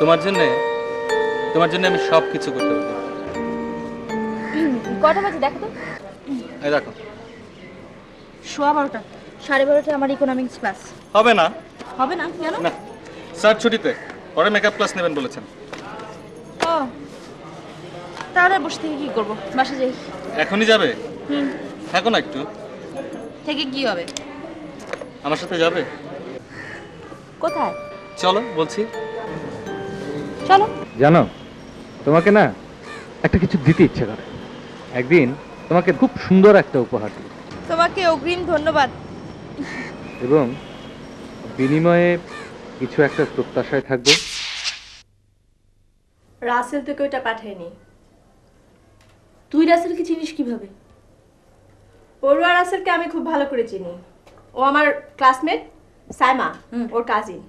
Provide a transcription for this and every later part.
তোমার জন্য আমি সব কিছু করতে পারি। কটা বাজে দেখো তো? এই দেখো। 12:15। 12:30 আমার ইকোনমিক্স ক্লাস। হবে না। হবে না কেন? না, স্যার ছুটিতে, পরে মেকআপ ক্লাস নেবেন বলেছেন। ও, তাহলে বসে থেকে কি করবো? বাসা যাই। এখনই যাবে? হুম। থাকো না একটু। থেকে কি হবে? আমার সাথে যাবে? কোথায়? চলো বলছি। চলো। জানো, তোমাকে না একটা কিছু দিতে ইচ্ছে করে। একদিন তোমাকে খুব সুন্দর একটা উপহার দিই তোমাকে অগ্রিম ধন্যবাদ। এবং বিনিময়ে কিছু একটা প্রত্যাশায় থাকবো। রাসেল তোকে ওইটা পাঠায়নি। তুই রাসেলকে চিনিস কিভাবে? পড়ুয়া রাসেলকে আমি খুব ভালো করে চিনি। ও আমার ক্লাসমেট সাইমা, ওর কাজিন।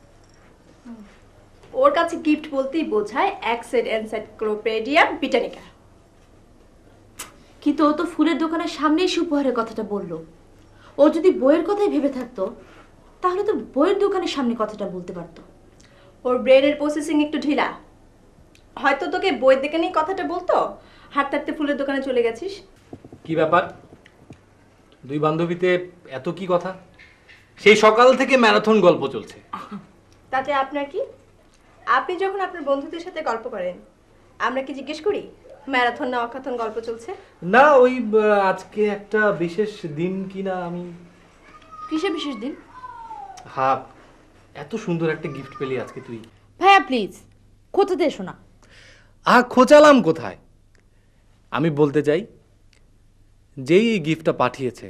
ওর কাছে গিফট বলতেই বোঝায় অ্যাক্সেড এনসাইক্লোপিডিয়া ব্রিটানিকা। কিন্তু ও তো ফুলের দোকানের সামনেই এসে উপহারের কথাটা বললো। ও যদি বইয়ের কথাই ভেবে থাকতো তাহলে তো বইয়ের দোকানের সামনে কথাটা বলতে পারতো। ওর ব্রেনের প্রসেসিং একটু ঢিলা। হয়তো তোকে বইয়ের দিকে নিয়ে কথাটা বলতো, হাঁটতে হাঁটতে ফুলের দোকানে চলে গেছিস। কি ব্যাপার, দুই বান্ধবীতে এত কি কথা? সেই সকাল থেকে ম্যারাথন গল্প চলছে। তাতে আপনার কি? আপনি যখন আপনার বন্ধুদের সাথে গল্প করেন, আমরা কি জিজ্ঞেস করি ম্যারাথন না অকাথন গল্প চলছে? না, ওই আজকে একটা বিশেষ দিন কিনা আমি। কিসে বিশেষ দিন? হ্যাঁ, এত সুন্দর একটা গিফট পেলি আজকে তুই। ভাইয়া প্লিজ কোথাতে এসো না। খোঁচালাম কোথায়? আমি বলতে চাই, যেই এই গিফটটা পাঠিয়েছে,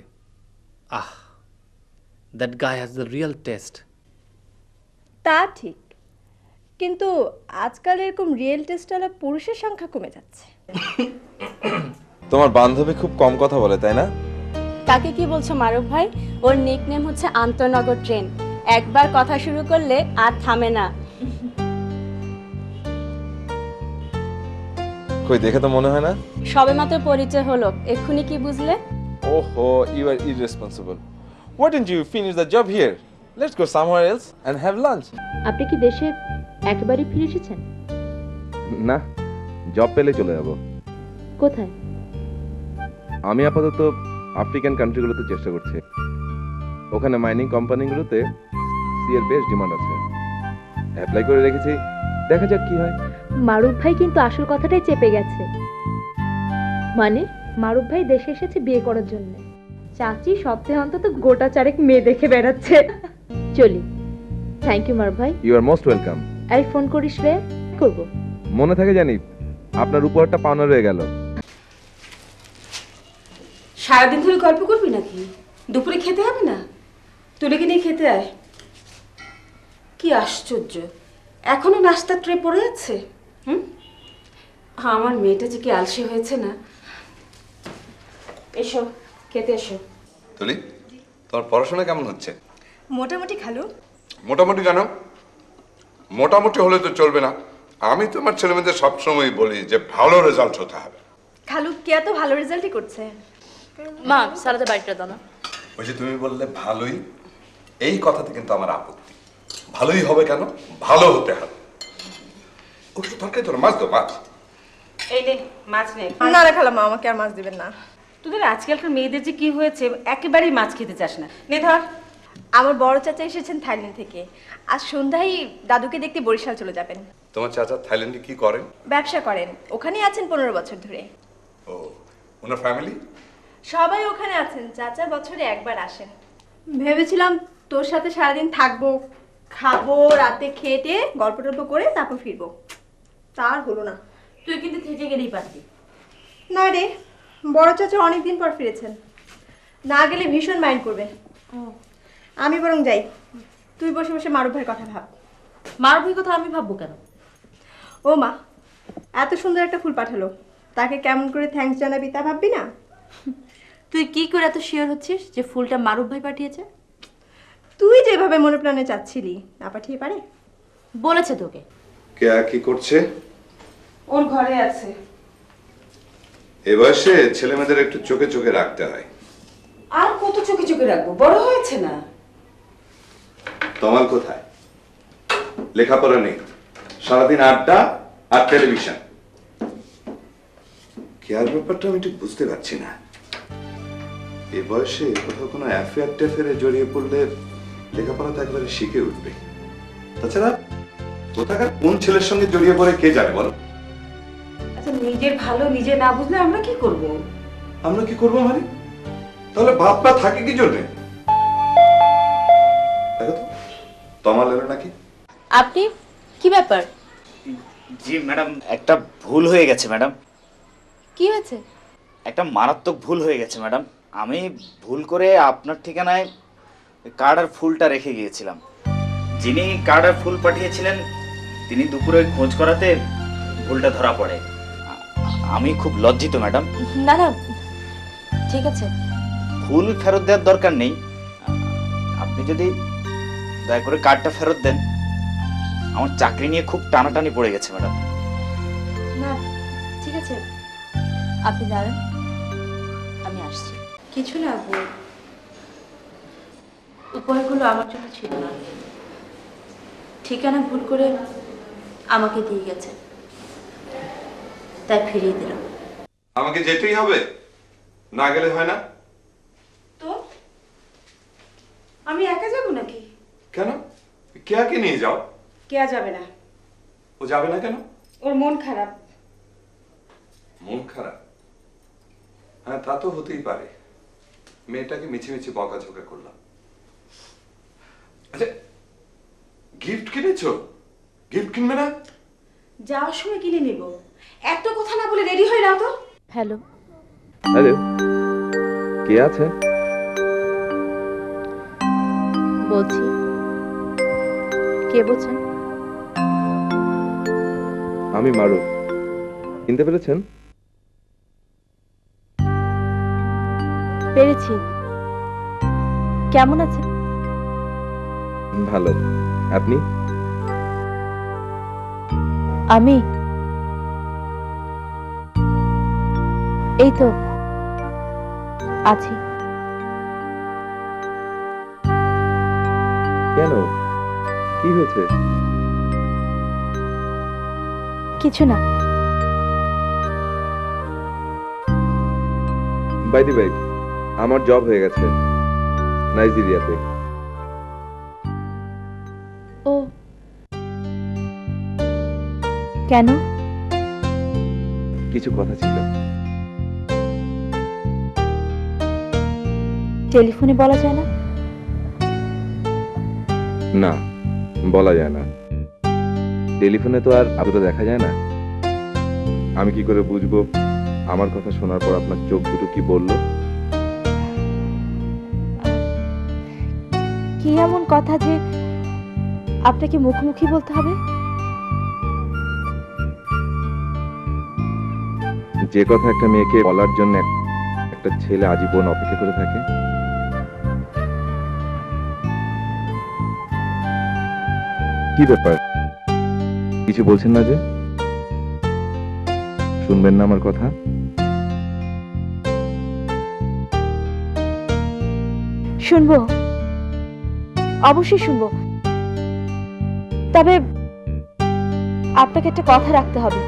that guy has the real taste. তা ঠিক, কিন্তু আজকাল এরকম রিয়েল টেস্টওয়ালা পুরুষের সংখ্যা কমে যাচ্ছে। তোমার বান্ধবী খুব কম কথা বলে, তাই না? তাকে কি বলছো মারুফ ভাই? ওর নিকনেম হচ্ছে আন্তনগর ট্রেন। একবার কথা শুরু করলে আর থামে না। কই, দেখে তো মনে হয় না। সবেমাত্র পরিচয় হলো, এক্ষুনি কি বুঝলে? ওহো, you are irresponsible. Why didn't you finish the job here? Let's go somewhere else and have lunch. আপনি কি দেশে একেবারে ফিরে এসেছেন? না, জব পেলে চলে যাব। কোথায়? আমি আপাতত আফ্রিকান কান্ট্রিগুলোতে চেষ্টা করছি। ওখানে মাইনিং কোম্পানিগুলোতে সি এর বেশ ডিমান্ড আছে। অ্যাপ্লাই করে রেখেছি, দেখা যাক কি হয়। মারুফ ভাই কিন্তু আসল কথাটাই চেপে গেছে। মানে মারুফ ভাই দেশে এসেছে বিয়ে করার জন্য। চাচি সপ্তাহে অন্তত গোটা চারেক মেয়ে দেখে বেড়াচ্ছে। চলি। থ্যাংক ইউ মারুফ ভাই। You are most welcome. এই ফোন করিস রে। করব। মনে থাকে জানি, আপনার উপহারটা পাওনা রয়ে গেল। সারাদিন ধরে গল্প করবি নাকি? দুপুরে খেতে হবে না? তুলেকে নিয়ে খেতে আয়। কি আশ্চর্য, এখনো নাস্তার ট্রে পড়ে আছে। আমার মেয়েটা যে কি আলসে হয়েছে না। এসো খেতে এসো। তুলি, তোমার পড়াশোনা কেমন হচ্ছে? মোটামুটি খালু। মোটামুটি কেন? মোটামুটি হলে তো চলবে না। আমি তোমার ছেলেমেয়েদের সবসময় বলি যে ভালো রেজাল্ট হতে হবে। খালু কে এত ভালো রেজাল্টই করছে? মা সারাতে বাড়িটা দাও না। ওই যে তুমি বললে ভালোই, এই কথাতে কিন্তু আমার আপত্তি। ভালোই হবে কেন? ভালো হতে হবে। ওটা তরকারি তোর মাছ দো, মাছ। এই নে মাছ নে। না রে খালাম্মা, আমাকে আর মাছ দিবেন না। তোদের আজকালকার মেয়েদের যে কি হয়েছে, একেবারেই মাছ খেতে চাস না। নে ধর। আমার বড় চাচা এসেছেন থাইল্যান্ড থেকে। আজ সন্ধ্যায় দাদুকে দেখতে বরিশাল চলে যাবেন। তোমার চাচা থাইল্যান্ডে কি করেন? ব্যবসা করেন, ওখানেই আছেন 15 বছর ধরে। ও, ওনার ফ্যামিলি? সবাই ওখানে আছেন, চাচা বছরে একবার আসেন। ভেবেছিলাম তোর সাথে সারাদিন থাকবো, খাবো, রাতে খেতে গল্প টল্প করে তারপর ফিরবো। তার হলো না। তুই কিন্তু থেকে গেলেই পারবি। না রে, বড় চাচা অনেকদিন পর ফিরেছেন, না গেলে ভীষণ মাইন্ড করবে। আমি বরং যাই, তুই বসে বসে মারুফ ভাইয়ের কথা ভাব। মারুফ ভাই কথা আমি ভাববো কেন? ও মা, এত সুন্দর একটা ফুল পাঠালো, তাকে কেমন করে থ্যাঙ্কস জানাবি তা ভাববি না? তুই কি করে এত শিওর হচ্ছিস যে ফুলটা মারুফ ভাই পাঠিয়েছে? তুই যেভাবে মনে প্রাণে চাচ্ছিলি, না পাঠিয়ে পারে? বলেছে তোকে? কে কি করছে? ওর ঘরে আছে। এ বয়সে ছেলেমেয়েদের একটু চোখে চোখে রাখতে হয়। আর কত চোখে চোখে রাখবো, বড় হয়েছে না। তমাল কোথায়? লেখাপড়া নেই, সারাদিন আড্ডা আর টেলিভিশন। কেয়ার ব্যাপারটা আমি ঠিক বুঝতে পারছি না। এ বয়সে কোথাও কোনো অ্যাফেয়ার ট্যাফেয়ারে জড়িয়ে পড়লে লেখাপড়া তো একবারে শিখে উঠবে। তাছাড়া কোথাকার কোন ছেলের সঙ্গে জড়িয়ে পড়ে কে জানে বলো? আচ্ছা, নিজের ভালো নিজে না বুঝলে আমরা কি করব? আমরা কি করবো মানে? তাহলে বাপরা থাকে কি জন্যে? দেখো তো তমাল এলো নাকি? আপনি কি ব্যাপার? জি ম্যাডাম, একটা ভুল হয়ে গেছে ম্যাডাম। কি হয়েছে? একটা মারাত্মক ভুল হয়ে গেছে ম্যাডাম। আমি ভুল করে আপনার ঠিকানায় কার্ড আর ফুলটা রেখে গিয়েছিলাম। যিনি কার্ড আর ফুল পাঠিয়েছিলেন তিনি দুপুরে খোঁজ করাতে ভুলটা ধরা পড়ে। আমি খুব লজ্জিত ম্যাডাম। না না, ঠিক আছে। ফুল ফেরত দেওয়ার দরকার নেই, আপনি যদি দয়া করে কার্ডটা ফেরত দেন। আমার চাকরি নিয়ে খুব টানাটানি পড়ে গেছে ম্যাডাম। না ঠিক আছে, আপনি দাঁড়ান, আমি আসছি। কিছু না আপু, উপহারগুলো আমার জন্য ছিল না, ঠিকানা ভুল করে আমাকে দিয়ে গেছে, তাই ফিরিয়ে দিলাম। আমাকে যেতেই হবে, না গেলে হয় না। তো আমি একা যাব নাকি? কেন? কেয়াকে নিয়ে যাও। কেয়া যাবে না, ও যাবে না কেন? ওর মন খারাপ। মন খারাপ? হ্যাঁ, তা তো হতেই পারে। মেয়েটাকে মিছি মিছি বকাঝকা করলাম। আচ্ছা, গিফট কিনেছো? গিফট কিনবে না? যাওয়ার সময় কিনে নিব। এত কথা না বলে রেডি হয়ে নাও তো। হ্যালো, হ্যালো, কে আছে? বলছি। কে বলছেন? আমি মারুফ। চিনতে পেরেছেন? পেরেছি। কেমন আছেন? ভালো। আপনি? আমি এই তো আছি। কেন? কি হয়েছে? কিছু না। বাই দি বাই, আমার জব হয়ে গেছে নাইজেরিয়াতে। ও, কেন? কিছু কথা ছিল। টেলিফোনে বলা যায় না? না, বলা যায় না। টেলিফোনে তো আর আদৌ দেখা যায় না। আমি কি করে বুঝবো আমার কথা শোনার পর আপনার চোখ দুটো কি বললো? কি এমন কথা যে আপনাকে মুখোমুখি বলতে হবে? যে কথা একটা মেয়েকে বলার জন্য একটা ছেলে আজীবন অপেক্ষা করে থাকে। কি ব্যাপার, কিছু বলছেন না যে? শুনবেন না আমার কথা? শুনবো, অবশ্যই শুনবো। তবে আপনাকে একটা কথা রাখতে হবে।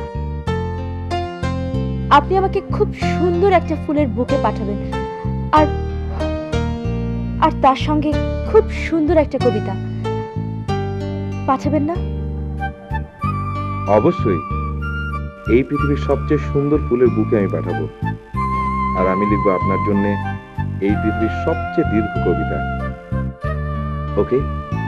আপনি আমাকে খুব সুন্দর একটা ফুলের বুকে পাঠাবেন, আর আর তার সঙ্গে খুব সুন্দর একটা কবিতা পাঠাবেন না? অবশ্যই। এই পৃথিবীর সবচেয়ে সুন্দর ফুলের বুকে আমি পাঠাবো, আর আমি লিখবো আপনার জন্য এই পৃথিবীর সবচেয়ে দীর্ঘ কবিতা। ওকে?